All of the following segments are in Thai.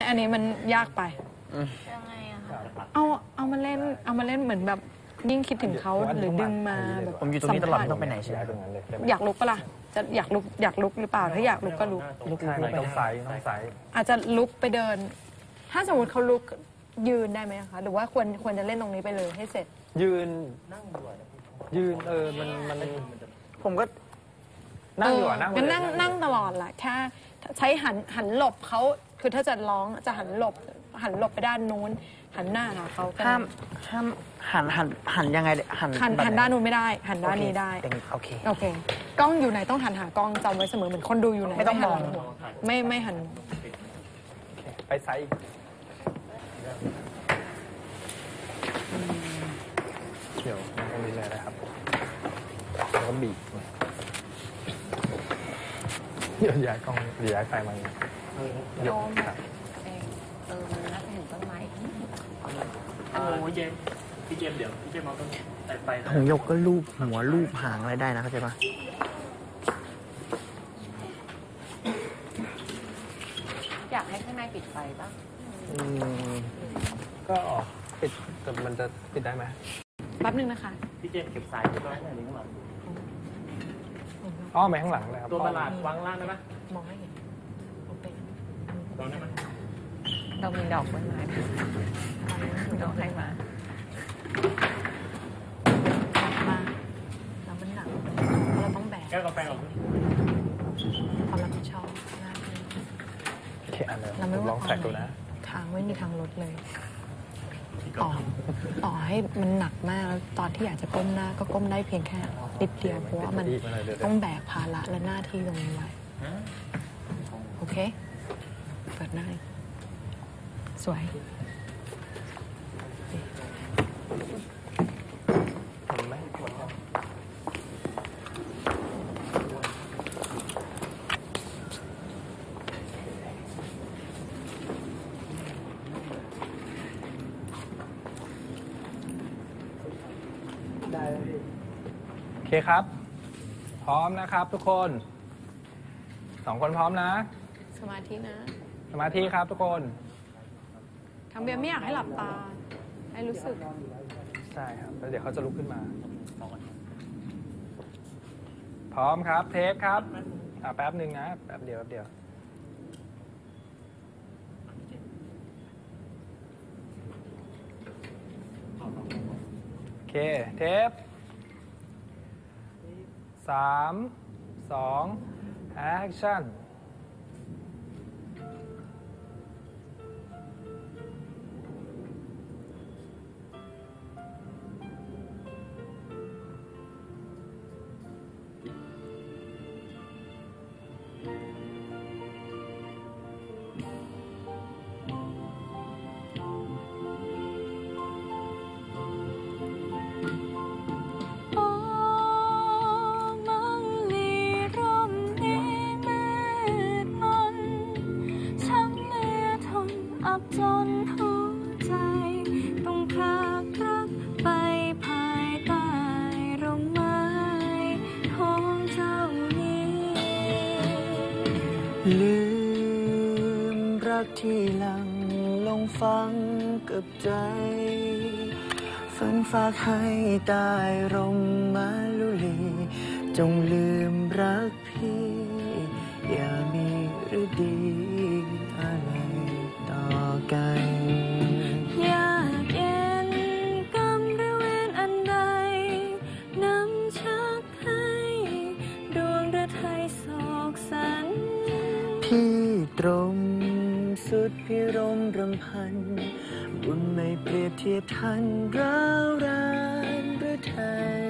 อันนี้มันยากไปยังไงอะคะเอามาเล่นเหมือนแบบยิ่งคิดถึงเขาหรือดึงมาแบบผมอยู่ตรงนี้ตลอดไม่ต้องไปไหนใช่ไหมอยากลุกปะล่ะจะอยากลุกหรือเปล่าถ้าอยากลุกก็ลุกต้องใส่อาจจะลุกไปเดิน ถ้าสมมติเขาลุกยืนได้ไหมคะหรือว่าควรจะเล่นตรงนี้ไปเลยให้เสร็จยืนมันผมก็นั่งอยู่นั่งงั้นนั่งตลอดแหละแค่ใช้หันหลบเขาคือถ้าจะร้องจะหันหลบไปด้านนู้นหันหน้าหาเขาห้ามหันยังไงหันด้านนู้นไม่ได้หันด้านนี้ได้โอเคกล้องอยู่ไหนต้องหันหากล้องจำไว้เสมอเหมือนคนดูอยู่ไหนไม่ต้องมองไม่หันไปไซส์เดี๋ยวนั่งตรงนี้เลยนะครับแล้วก็บีบเดี๋ยวย้ายกล้องเดี๋ยวย้ายไฟมาโยมแบบเองมันน่าจะเห็นต้นไม้พี่เจมเดี๋ยวพี่เจมเอาต้นไฟหงยกก็รูปหัวรูปหางอะไรได้นะเข้าใจปะอยากให้ข้างในปิดไฟป่ะก็ปิดแต่มันจะปิดได้ไหมแป๊บนึงนะคะพี่เจมเก็บสายตัวนั้นข้างหลังอ้อไปข้างหลังเลยครับตัวประหลาดวางล่างได้ไหมมองให้เห็นโอเคลองได้ไหมเรามีดอกไม้มาดอกให้มาแล้วมันหนักเราต้องแบกแก้วกาแฟออกความรับผิดชอบหน้าที่โอเคอันเลยลองใส่ดูนะทางไม่มีทางลดเลยต่อให้มันหนักมากแล้วตอนที่อยากจะก้มหน้าก็ก้มได้เพียงแค่นิดเดียวเพราะว่ามันต้องแบกภาระและหน้าที่ตรงนี้ไว้โอเคเปิดหน้าสวยโอเคครับพร้อมนะครับทุกคน2 คนพร้อมนะสมาธินะสมาธิครับทุกคนทำเบียร์ไม่อยากให้หลับตาให้รู้สึกใช่ครับแล้วเดี๋ยวเขาจะลุกขึ้นมาพร้อมครับเทคครับแป๊บหนึ่งนะแป๊บเดียวโอเคเทป3 2 action จนหัวใจต้องพรากรักไปภายใต้ร่มไม้ของเจ้านี้ลืมรักที่หลังลงฟังกับใจฝันฝากให้ใต้ร่มไม้ลุลีจงลืมรักพี่อย่ามีหรือดีอะไรต่อกันอยากเย็นกรรมหรือเวรอันใดนำชักให้ดวงฤทัยโศกสันพี่ตรงสุดพิรมรำพันบุญไม่เปรียบเทียบทันร้าวรานหรือไทย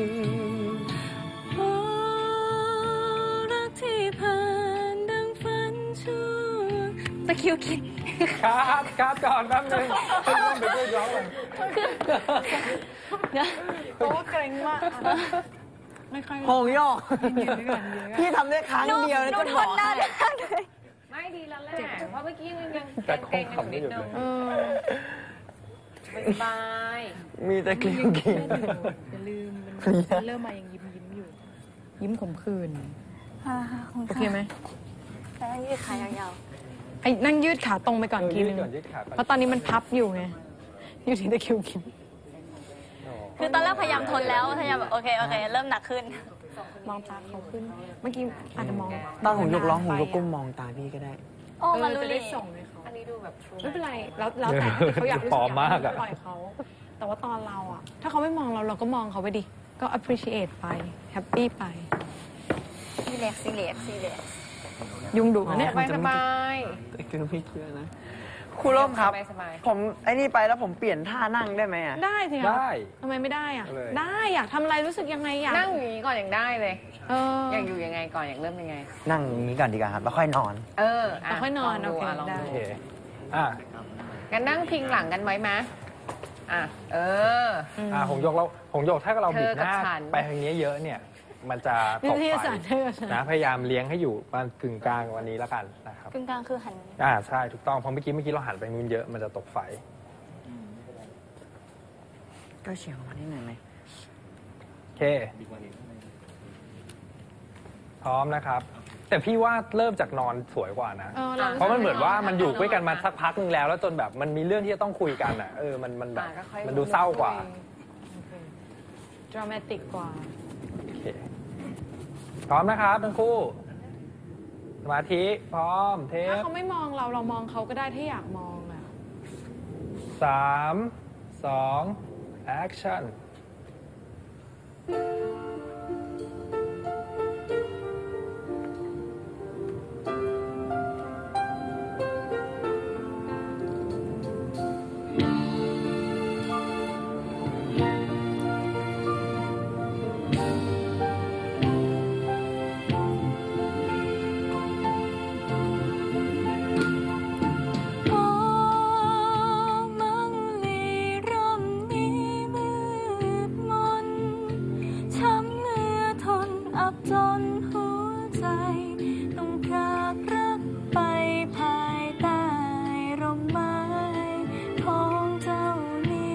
โอ้รักที่ผ่านดังฝันชั่วตะคิวคิดครับก่อนแป๊บนึงต้องไปด้วยร้องเลยเพราะว่าเกรงมากไม่ค่อยหงยอกพี่ทำได้ครั้งเดียวแล้วก็บอกไม่ดีแล้วแหละเพราะเมื่อกี้ยังแต่คเกรงงๆอยู่นิดนึงสบายมีแต่กลิ้งกินอย่าลืมมันเริ่มมายังยิ้มอยู่ยิ้มขมขื่นโอเคไหมแต่ยืดขายาวๆไออ้นั่งยืดขาตรงไปก่อนทีนึงยืดขาก่อนเพราะตอนนี้มันพับอยู่ไงอยู่ที่ตะคริวกินคือตอนแรกพยายามทนแล้วพยายามแบบโอเคเริ่มหนักขึ้นมองตาเขาขึ้น เมื่อกี้อาจจะมองตอนผมยกร้องผมยกก้มมองตาพี่ก็ได้โอ้มารุจะลีได้ส่งให้เขาอันนี้ดูแบบไม่เป็นไรแล้วแต่เขาอยากรู้สึกปลอมมากอะปล่อยเขา แต่ว่าตอนเราอะถ้าเขาไม่มองเราก็มองเขาไปดิก็ appreciate ไป happy ไปซีเรียสยุงดุนะเนี่ยสบายสบายคือไม่เชื่อนะครูร่มครับสบายผมไอ้นี่ไปแล้วผมเปลี่ยนท่านั่งได้ไหมอ่ะได้สิคะได้ทำไมไม่ได้อะเลยได้อยากทำอะไรรู้สึกยังไงอยากนั่งอย่างนี้ก่อนยังได้เลยเอออยากอยู่ยังไงก่อนอยากเริ่มยังไงนั่งอย่างนี้ก่อนดีกว่าครับแล้วค่อยนอนเออเอาค่อยนอนลงดูโอเคลองได้ดูโอเคอ่ะงั้นนั่งพิงหลังกันไว้ไหมอ่ะเออหงโยกถ้าเราบิดหน้าเธอกับฉันไปทางนี้เยอะเนี่ย มันจะตวิกทยาไฟศาสตร์เธอกับฉันนะพยายามเลี้ยงให้อยู่ประมาณกึ่งกลางวันนี้แล้วกันนะครับกึ่งกลางคือหันใช่ถูกต้องเพราะเมื่อกี้เราหันไปนู้นเยอะมันจะตกไฟก็เฉียงออกมานิดหน่อยไหมโอเค พร้อมนะครับ แต่พี่ว่าเริ่มจากนอนสวยกว่านะ เพราะมันเหมือนว่ามันอยู่ด้วยกันมาสักพักนึงแล้วจนแบบมันมีเรื่องที่จะต้องคุยกันอ่ะมันแบบก็ค่อยมันดูเศร้ากว่าดรามาติกกว่าโอเคพร้อมนะครับทั้งคู่ สมาธิพร้อมเทถ้าปเขาไม่มองเรามองเขาก็ได้ถ้าอยากมองอะ 3 2 action โอ้มังลีร่มนี้มืดมนช้ำเหลือทนอับจนหัวใจต้องพรากรักไปภายใต้ร่มไม้ของเจ้านี้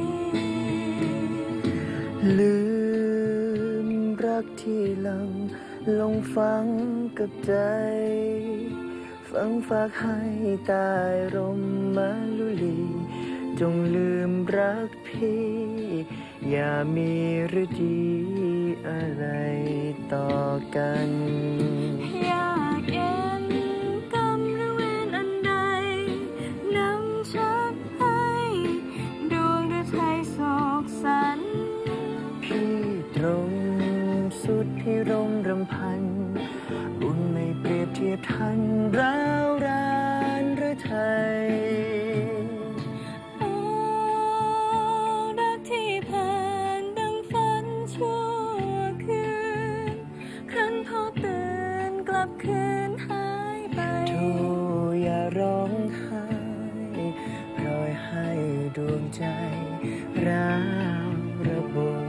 ลืมรักที่หลังลงฝังกับใจ ฝังฝากให้ใตายร่มมะลุลี จงลืมรักพี่ อย่ามีหรือดีอะไรต่อกันอยากเย็นกรรมหรือเวรอันใดนำชักให้ดวงฤทัยโศกสันพี่ตรงสุดพิรมรำพันบุญไม่เปรียบเทียบทันร้าวรานหรือไทยโอ้รักที่ผ่านดังฝันชั่วคืนครั้นพอตื่นกลับคืนหายไปโธ่อย่าร้องไห้ปล่อยให้ดวงใจร้าวระบม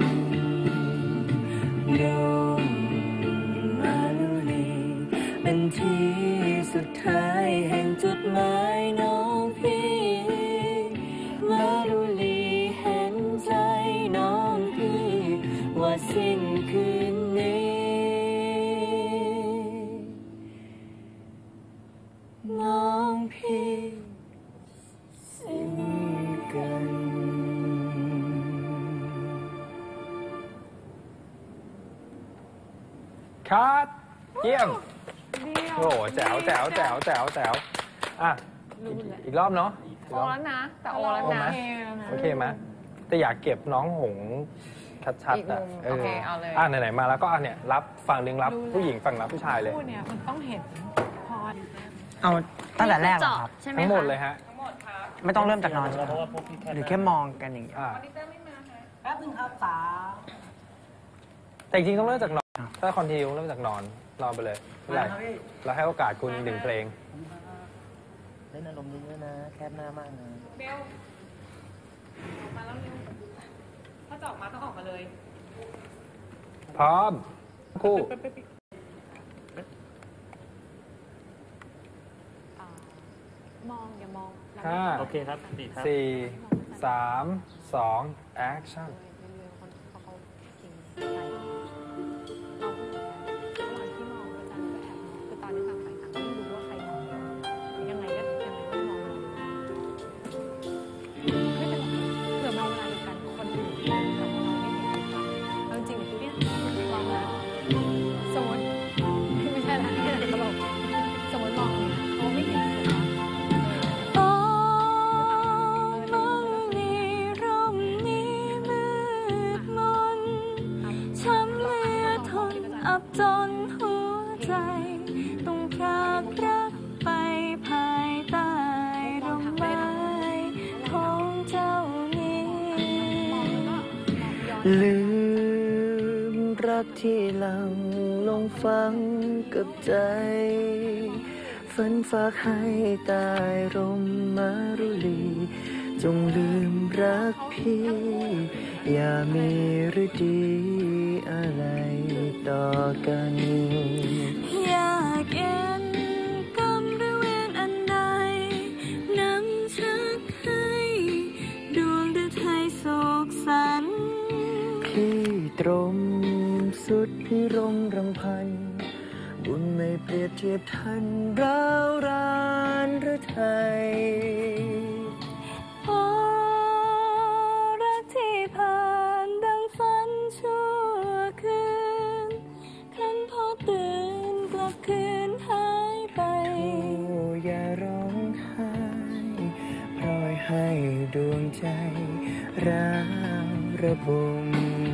ลมมาลุลีเป็นที่สุดท้ายแห่งจุดหมายน้องพี่มาลุลีเห็นใจน้องพี่ว่าสิ้นคืนนี้ น้องพี่สิ้นกันคัดเยี่ยมโอ้โหแจ๋วอ่ะอีกรอบเนาะโอแล้วนะ แต่โอแล้วนะโอเคไหมแต่อยากเก็บน้องหงชัดอีกๆมุอ่ะมโอเคเอาเลยไหนๆมาแล้วก็เนี่ยรับฝั่งหนึ่งรับผู้หญิงฝั่งรับผู้ชายเลยพูดเนี่ยมันต้องเห็นพอดเอาตั้งแต่แรกเหรอครับใช่ไหมทั้งหมดคะเลยฮะไม่ต้องเริ่มจากนอนใช่ไหมเพราะว่าพวกพี่แค่หรือแค่มองกันอย่างเงี้ยแต่จริงๆต้องเริ่มจากนอนถ้าคอนทิวเริ่มจากนอนไปเลยไม่เป็นไรเราให้โอกาสคุณหนึ่งเพลงเล่นอารมณ์นี้ด้วยนะ แคบหน้ามากนะเบลออกมาแล้วเร็วถ้าจะออกมาต้องออกมาเลยพร้อมคู่มองอย่ามองห้าโอเคครับดีครับสี่สามสอง action เขาทิ้งใส่เราระหว่างที่มองอาจารย์ก็แอบมองคือตอนนี้ต่างฝ่ายต่างไม่รู้ว่าใครมองยังไงก็ยังไงลืมรักที่หลังลงฟังกับใจฝันฝากให้ตายรมมารุลีจงลืมรักพี่อย่ามีหรือดีอะไรต่อกันอยากเอ็นกรรมหรือเวรอันใดนำชักให้ดวงฤทัยโศกสันพี่ตรมสุดพิรมรำพันบุญไม่เปรียบเทียบทันร้าวรานหรือไทยรักที่ผ่านดังฝันชั่วคืนคันพอตื่นกลับคืนหายไปโอ้อย่าร้องไห้ปล่อยให้ดวงใจร้าวระบม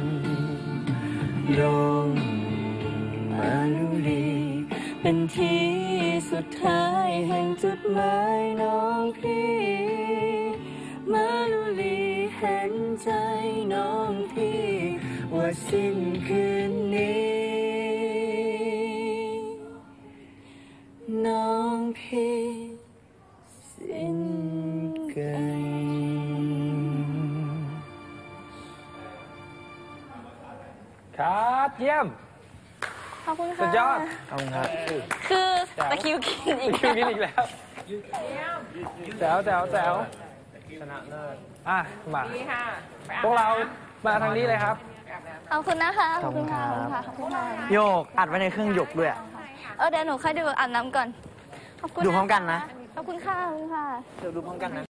ลงมาลุลีเป็นที่สุดท้ายแห่งจุดหมายน้องพี่มาลุลีเห็นใจน้องพี่ว่าสิ้นคืนนี้น้องพี่สิ้นกันครับเยี่ยมขอบคุณค่ะสุดยอดขอบคุณครับคือตะคริวกินอีกคิวกินอีกแล้วแจ๋วแจ๋วแจ๋วชนะเลิศมาดีค่ะพวกเรามาทางนี้เลยครับขอบคุณนะคะขอบคุณค่ะขอบคุณค่ะโยกอัดไว้ในเครื่องหยกด้วยเดี๋ยวหนูค่อยดูอาบน้ำก่อนขอบคุณดูพร้อมกันนะขอบคุณค่ะขอบคุณค่ะเดี๋ยวดูพร้อมกันนะ